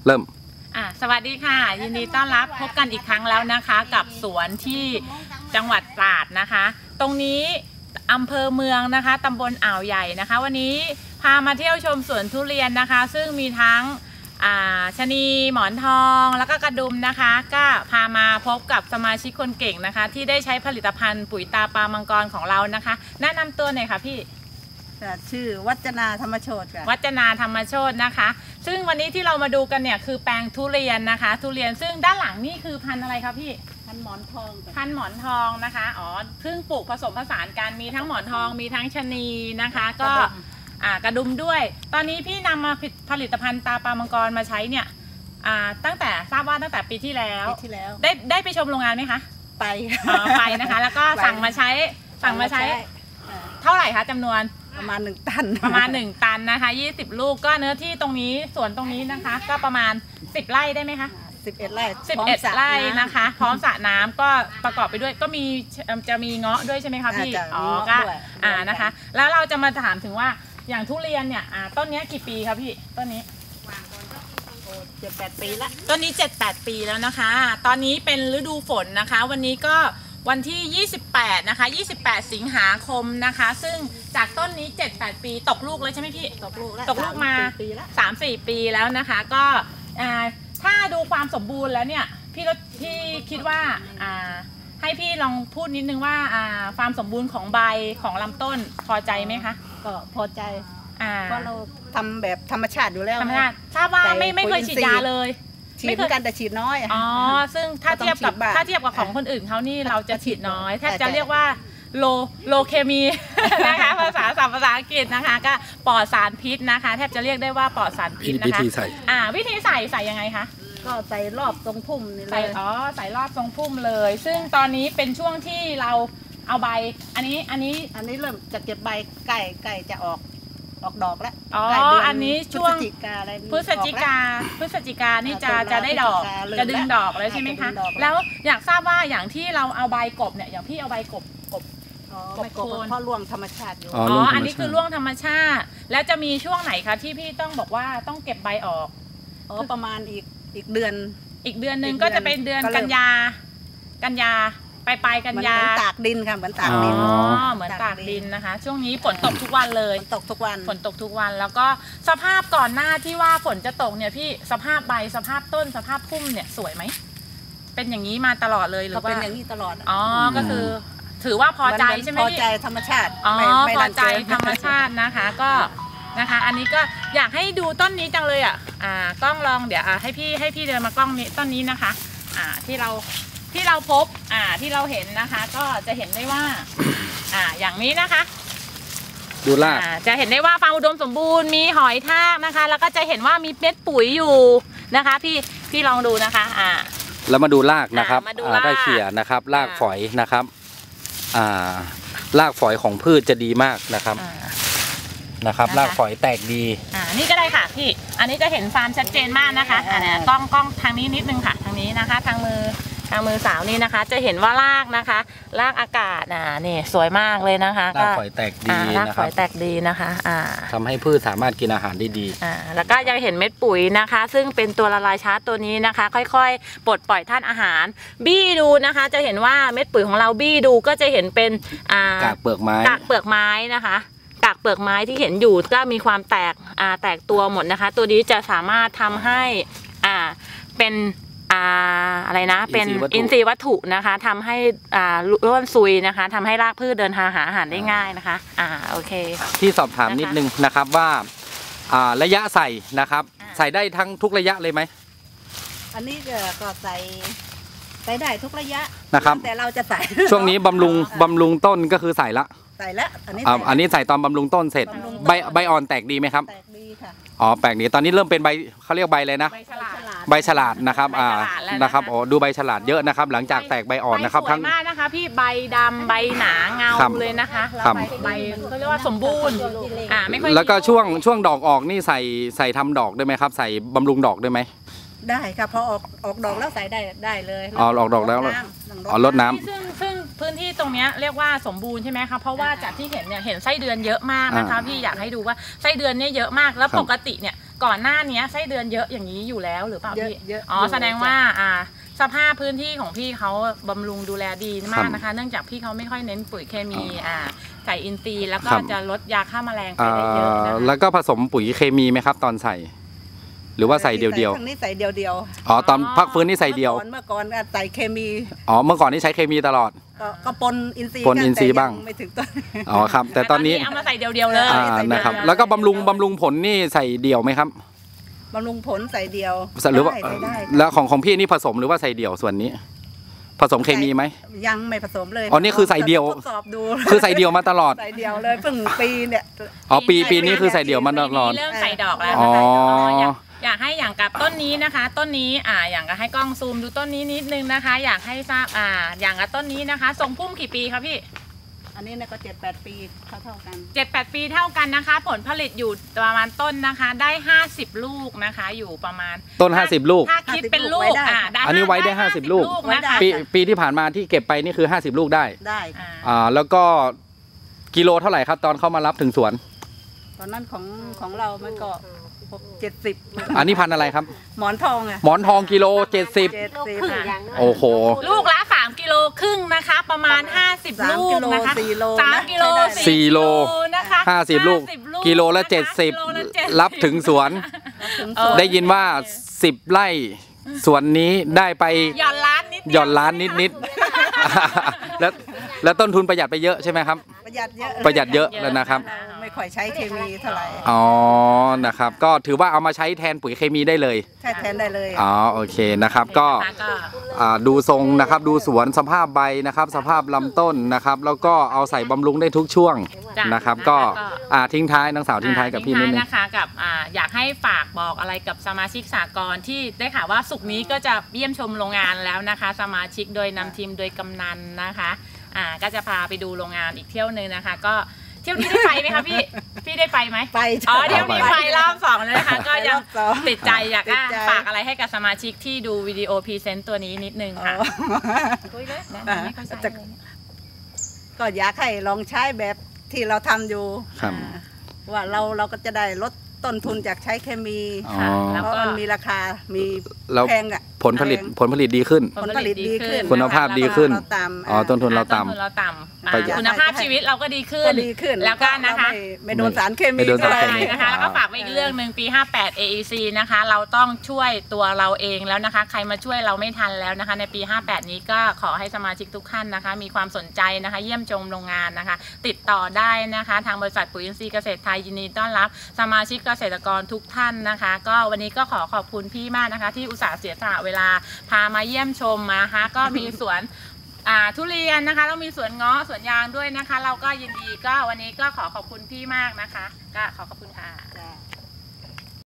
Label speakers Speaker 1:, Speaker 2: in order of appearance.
Speaker 1: เริ่ม
Speaker 2: สวัสดีค่ะยินดีต้อนรับพบกันอีกครั้งแล้วนะคะกับสวนที่จังหวัดตราดนะคะตรงนี้อำเภอเมืองนะคะตำบลอ่าวใหญ่นะคะวันนี้พามาเที่ยวชมสวนทุเรียนนะคะซึ่งมีทั้งชะนีหมอนทองแล้วก็กระดุมนะคะก็พามาพบกับสมาชิกคนเก่งนะคะที่ได้ใช้ผลิตภัณฑ์ปุ๋ยตาปลามังกรของเรานะคะแนะนำตัวหน่อยค่ะพี่
Speaker 3: ชื่อวัจนาธรรมโชติค่ะ
Speaker 2: วัจนาธรรมโชตินะคะซึ่งวันนี้ที่เรามาดูกันเนี่ยคือแปลงทุเรียนนะคะทุเรียนซึ่งด้านหลังนี่คือพันธุ์อะไรคะพี่
Speaker 3: พันธุ์หมอนทอง
Speaker 2: พันธุ์หมอนทองนะคะซึ่งปลูกผสมผสานกันมีทั้งหมอนทองมีทั้งชะนีนะคะก็กระดุมด้วยตอนนี้พี่นำมาผลิตภัณฑ์ตาปลามังกรมาใช้เนี่ยตั้งแต่ทราบว่าตั้งแต่ปีที่แล้วได้ไปชมโรงงานไหมคะไปนะคะแล้วก็สั่งมาใช้เท่าไหร่คะจำนวน
Speaker 3: ประมาณ1 ตัน
Speaker 2: นะคะ20 ลูกก็เนื้อที่ตรงนี้สวนตรงนี้นะคะก็ประมาณ10 ไร่ได้ไหมคะ
Speaker 3: 11 ไร่
Speaker 2: 11 ไร่นะคะพร้อมสระน้ำก็ประกอบไปด้วยก็จะมีเงาะด้วยใช่ไหมคะพี่ก็นะคะแล้วเราจะมาถามถึงว่าอย่างทุเรียนเนี่ยต้นนี้กี่ปีครับพี่ต้นนี้
Speaker 3: 7-8 ปีละ
Speaker 2: ต้นนี้7-8 ปีแล้วนะคะตอนนี้เป็นฤดูฝนนะคะวันนี้ก็วันที่28นะคะ28 สิงหาคมนะคะซึ่งจากต้นนี้7-8 ปีตกลูกเลยใช่ไหมพี่ตกลูกมา 3-4 ปีแล้วนะคะก็ถ้าดูความสมบูรณ์แล้วเนี่ยพี่คิดว่าให้พี่ลองพูดนิดนึงว่าความสมบูรณ์ของใบของลำต้นพอใจไหมคะ
Speaker 3: ก็พอใจเพราะเราทำแบบธรรมชาติอยู่แล้ว
Speaker 2: ธรรมชาติทราบว่าไม่เคยฉีดยาเลย
Speaker 3: ฉีดกันแต่ฉีดน้อย
Speaker 2: ซึ่งถ้าเทียบกับของคนอื่นเขานี่เราจะฉีดน้อยแทบจะเรียกว่าโลเคมีนะคะภาษาอังกฤษนะคะก็ปลอดสารพิษนะคะแทบจะเรียกได้ว่าปลอดสารพิษนะคะวิธีใส่ยังไงคะ
Speaker 3: ก็ใส่รอบทรงพุ่มนี่เลย
Speaker 2: ใส่รอบทรงพุ่มเลยซึ่งตอนนี้เป็นช่วงที่เราเอาใบอันนี้
Speaker 3: เริ่มจะเก็บใบไก่จะออกดอกแล้ว
Speaker 2: อันนี้ช่วงพฤศจิกานี่จะได้ดอกจะดึงดอกแล้วใช่ไหมคะแล้วอยากทราบว่าอย่างที่เราเอาใบกบเนี่ยอย่างพี่เอาใบกบ
Speaker 3: โคนเพราะร่วงธรรมชาติอยู่
Speaker 2: อันนี้คือร่วงธรรมชาติแล้วจะมีช่วงไหนคะที่พี่ต้องบอกว่าต้องเก็บใบออก
Speaker 3: ประมาณอีกเดือน
Speaker 2: นึงก็จะเป็นเดือนกันยาปลายกันยา
Speaker 3: เหมือนตากดินค่ะเหมือนตากดิน
Speaker 2: เหมือนตากดินนะคะช่วงนี้ฝนตกทุกวันเลย
Speaker 3: ฝนตกทุก
Speaker 2: วันแล้วก็สภาพก่อนหน้าที่ว่าฝนจะตกเนี่ยพี่สภาพใบสภาพต้นสภาพพุ่มเนี่ยสวยไหมเป็นอย่างนี้มาตลอดเลยหรือว่า
Speaker 3: เป็นอย่างนี้ตลอด
Speaker 2: ก็คือถือว่าพอใจใช่ไหมพี่
Speaker 3: พอใจธรรมชาติ
Speaker 2: พอใจธรรมชาตินะคะก็นะคะอันนี้ก็อยากให้ดูต้นนี้จังเลยกล้องลองเดี๋ยวให้พี่เดินมากล้องนี้ต้นนี้นะคะที่เราพบที่เราเห็นนะคะก็จะเห็นได้ว่าอย่างนี้นะคะ
Speaker 1: ดูล่า
Speaker 2: จะเห็นได้ว่าฟาร์มอุดมสมบูรณ์มีหอยทากนะคะแล้วก็จะเห็นว่ามีเม็ดปุ๋ยอยู่นะคะพี่ลองดูนะคะ
Speaker 1: แล้วมาดูรากนะครับได้เขี่ยนะครับรากฝอยนะครับรากฝอยของพืชจะดีมากนะครับรากฝอยแตกดี
Speaker 2: นี่ก็ได้ค่ะพี่อันนี้จะเห็นฟาร์มชัดเจนมากนะคะกล้องทางนี้นิดนึงค่ะทางนี้นะคะทางมือสาวนี่นะคะจะเห็นว่ารากนะคะรากอากาศนี่สวยมากเลยนะคะ
Speaker 1: รากฝอยแตกดี
Speaker 2: รากฝอยแตกดีนะคะ
Speaker 1: ทำให้พืชสามารถกินอาหารได้ดี
Speaker 2: แล้วก็ยังเห็นเม็ดปุ๋ยนะคะซึ่งเป็นตัวละลายช้าตัวนี้นะคะค่อยๆปลดปล่อยธาตุอาหารบี้ดูนะคะจะเห็นว่าเม็ดปุ๋ยของเราบี้ดูก็จะเห็นเป็น
Speaker 1: กากเปลือกไม้
Speaker 2: นะคะกากเปลือกไม้ที่เห็นอยู่ก็มีความแตกตัวหมดนะคะตัวนี้จะสามารถทำให้เป็นอะไรนะเป็นอินทรีย์วัตถุนะคะทำให้ร่วนซุยนะคะทำให้รากพืชเดินทางหาอาหารได้ง่ายนะคะโอเค
Speaker 1: ที่สอบถามนิดนึงนะครับว่าระยะใส่นะครับใส่ได้ทั้งทุกระยะเลยไหม
Speaker 3: อันนี้ก็ใส่ได้ทุกระยะ
Speaker 1: นะครับ
Speaker 3: แต่เราจะใส่
Speaker 1: ช่วงนี้บำรุงต้นก็คือใส่แล้วอันนี้ใส่ตอนบำรุงต้นเสร็จใบอ่อนแตกดีไหมครับ
Speaker 3: แตกดีค่ะ
Speaker 1: แปลกดีตอนนี้เริ่มเป็นใบเขาเรียกใบเลยนะใบฉลาดนะครับนะครับดูใบฉลาดเยอะนะครับหลังจากแตกใบอ่อนนะครับ
Speaker 2: ทั้งมากนะคะพี่ใบดำใบหนาเงาเลยนะคะใบเขาเรียกว่าสมบูรณ์
Speaker 1: ไม่ค่อยแล้วก็ช่วงดอกออกนี่ใส่ทำดอกได้ไหมครับใส่บำรุงดอกได้ไหม
Speaker 3: ได้ค่ะพอออกดอกแล้วใส่ได้เลย
Speaker 1: ออกดอกแล้วรดน้ำ
Speaker 2: ซึ่งพื้นที่ตรงนี้เรียกว่าสมบูรณ์ใช่ไหมคะเพราะว่าจากที่เห็นเนี่ยเห็นไส้เดือนเยอะมากนะคะพี่อยากให้ดูว่าไส้เดือนเนี่ยเยอะมากแล้วปกติเนี่ยก่อนหน้านี้ไส้เดือนเยอะอย่างนี้อยู่แล้วหรือเปล่าพี่
Speaker 3: เยอะ
Speaker 2: อ๋อแสดงว่าสภาพพื้นที่ของพี่เขาบำรุงดูแลดีมากนะคะ เนื่องจากพี่เขาไม่ค่อยเน้นปุ๋ยเคมีใส่อินทรีย์แล้วก็จะลดยาฆ่าแมลงไปได้เยอะนะคะ
Speaker 1: แล้วก็ผสมปุ๋ยเคมีไหมครับตอนใส่ หรือว่าใส่เดียว
Speaker 3: ทางนี้ใส่เดียว
Speaker 1: ๆอ๋อตอนพักฟื้นนี่ใส่เดียว
Speaker 3: เมื่อก่อนใส่เคมี
Speaker 1: อ๋อเมื่อก่อนนี่ใช้เคมีตลอด
Speaker 3: ก็ปนอินทรีย์
Speaker 1: ปนอินทรีย์บ้าง
Speaker 3: แต่ไม่ถึงต้น
Speaker 1: อ๋อครับ แต่ตอนนี้
Speaker 2: เอามาใส่เดียวๆเลย
Speaker 1: นะครับแล้วก็บำรุงผลนี่ใส่เดียวไหมครับ
Speaker 3: บำรุงผลใส่เดียว
Speaker 1: หรือว่า
Speaker 3: ได้
Speaker 1: แล้วของพี่นี่ผสมหรือว่าใส่เดียวส่วนนี้ ผสมเคมีไหม
Speaker 3: ยังไม่ผสมเลย
Speaker 1: อ๋อนี่คือใส่เดียว
Speaker 3: ทดสอบดู
Speaker 1: คือใส่เดียวมาตลอด
Speaker 3: ใส่เดียวเลยเพิ่งปีเนี่ย
Speaker 1: อ๋อปีนี้คือใส่เดียวมาตลอด
Speaker 2: ปีนี้เริ่มใส่ดอกแล้ว
Speaker 1: อ๋อ
Speaker 2: นะคะอยากให้อย่างกับต้นนี้นะคะ ต้นนี้อย่างกับให้กล้องซูมดูต้นนี้นิดนึงนะคะ อยากให้ทราบอย่างกับต้นนี้นะคะทรงพุ่มกี่ปีคะพี่
Speaker 3: อันนี้เนี่ยก็7-8 ปีเท่ากัน
Speaker 2: 7-8 ปีเท่ากันนะคะ ผลผลิตอยู่ประมาณต้นนะคะ ได้50ลูกนะคะ อยู่ประมาณ
Speaker 1: ต้น50ลูก
Speaker 2: ถ้าคิดเป็นลูกได้
Speaker 1: อันนี้ไว้ได้50ลูก
Speaker 2: นะคะ
Speaker 1: ปีที่ผ่านมาที่เก็บไปนี่คือ50ลูกได้
Speaker 3: ได้
Speaker 1: แล้วก็กิโลเท่าไหร่ครับตอนเข้ามารับถึงสวน
Speaker 3: ตอนนั้นของเรามันก็70
Speaker 1: อันนี้พันธุ์อะไรครับ
Speaker 3: หมอนทองอะ
Speaker 1: หมอนทองกิโล70
Speaker 3: 70
Speaker 1: โอ้โห
Speaker 2: ลูกละ3 กิโลครึ่งนะคะ ประมาณ50ลูกนะคะ
Speaker 3: 4 โล
Speaker 2: 3 กิโล
Speaker 1: สี่โล
Speaker 2: นะคะ
Speaker 1: 50ลูกกิโลละ
Speaker 2: นะคะกิโลละ
Speaker 1: 70รับถึงสวน ได้ยินว่า10ไร่สวนนี้ได้ไป
Speaker 2: หย่อนล้านนิด
Speaker 1: หย่อนล้านนิดๆ แล้วต้นทุนประหยัดไปเยอะใช่ไหมครับ
Speaker 3: ประหยัดเยอะ
Speaker 1: ประหยัดเยอะแล้วนะครับ
Speaker 3: เราไม่ค่อยใช้เคมีเท่าไหร่
Speaker 1: อ๋อนะครับก็ถือว่าเอามาใช้แทนปุ๋ยเคมีได้เลย
Speaker 3: ใช้แทนได้เลย
Speaker 1: อ๋อโอเคนะครับก็ ดูทรงนะครับดูสวนสภาพใบนะครับสภาพลำต้นนะครับแล้วก็เอาใส่บำรุงได้ทุกช่วงนะครับก็ทิ้งท้ายนางสาวทิ้งท้ายกับพี่นิดนึง
Speaker 2: นะคะกับอยากให้ฝากบอกอะไรกับสมาชิกสากลที่ได้ข่าวว่าศุกร์นี้ก็จะเยี่ยมชมโรงงานแล้วนะคะ สมาชิกโดยนำทีมโดยกำนันนะคะก็จะพาไปดูโรงงานอีกเที่ยวนึงนะคะก็เที่ยวนี้ได้ไปไหมคะพี่ได้ไปไหม
Speaker 3: ไป
Speaker 2: อ๋อเที่ยวนี้ไปรอบ2เลยนะคะก็ยัง
Speaker 3: รอบสอง
Speaker 2: ติดใจอยาก
Speaker 3: ติดใจ
Speaker 2: ฝากอะไรให้กับสมาชิกที่ดูวิดีโอพรีเซนต์ตัวนี้นิดนึงค่ะแนะนำให้เขาใช้เลยเนี่ย
Speaker 3: ก็อยากให้ลองใช้แบบที่เราทำอยู่
Speaker 1: ครับ
Speaker 3: ว่าเราก็จะได้ลดต้นทุนจากใช้เคมี
Speaker 1: อ๋อ
Speaker 2: แล้ว
Speaker 3: เพราะมันมีราคา มี
Speaker 1: แล้ว
Speaker 3: แพงอ่ะ
Speaker 1: ผลผลิตดีขึ้น
Speaker 3: ผลผลิตดีขึ้น
Speaker 1: คุณภาพดีขึ้น
Speaker 3: เราต่ำ
Speaker 1: อ๋อต้นทุนเรา
Speaker 2: ต้น
Speaker 1: ต่ำ
Speaker 2: ทุนเราต่ำ
Speaker 1: ประหยัด
Speaker 2: คุณภาพชีวิตเราก็ดีขึ้
Speaker 3: ก็
Speaker 2: น
Speaker 3: ดีขึ้น
Speaker 2: แล้วก็นะคะ
Speaker 3: เราไม่โดนสารเคมี
Speaker 1: ไม่โดนสารเคมี
Speaker 2: นะคะ แล้วก็ฝากไว้อีกเรื่องหนึ่งปี 58 AEC นะคะ เราต้องช่วยตัวเราเองแล้วนะคะ ใครมาช่วยเราไม่ทันแล้วนะคะ ในปี 58 นี้ก็ขอให้สมาชิกทุกท่านนะคะ มีความสนใจนะคะ เยี่ยมชมโรงงานนะคะ ติดต่อได้นะคะ ทางบริษัทปุ๋ยอินทรีย์เกษตรไทยยินดีต้อนรับสมาชิกเกษตรกรทุกท่านนะคะ ก็วันนี้ก็ขอบคุณพี่มากนะคะ ที่อุตส่าห์เสียสละเวลาพามาเยี่ยมชมนะคะก็มีสวนทุเรียนนะคะแล้วมีสวนเงาะสวนยางด้วยนะคะ เราก็ยินดีก็วันนี้ก็ขอบคุณพี่มากนะคะก็ขอบคุณค่ะ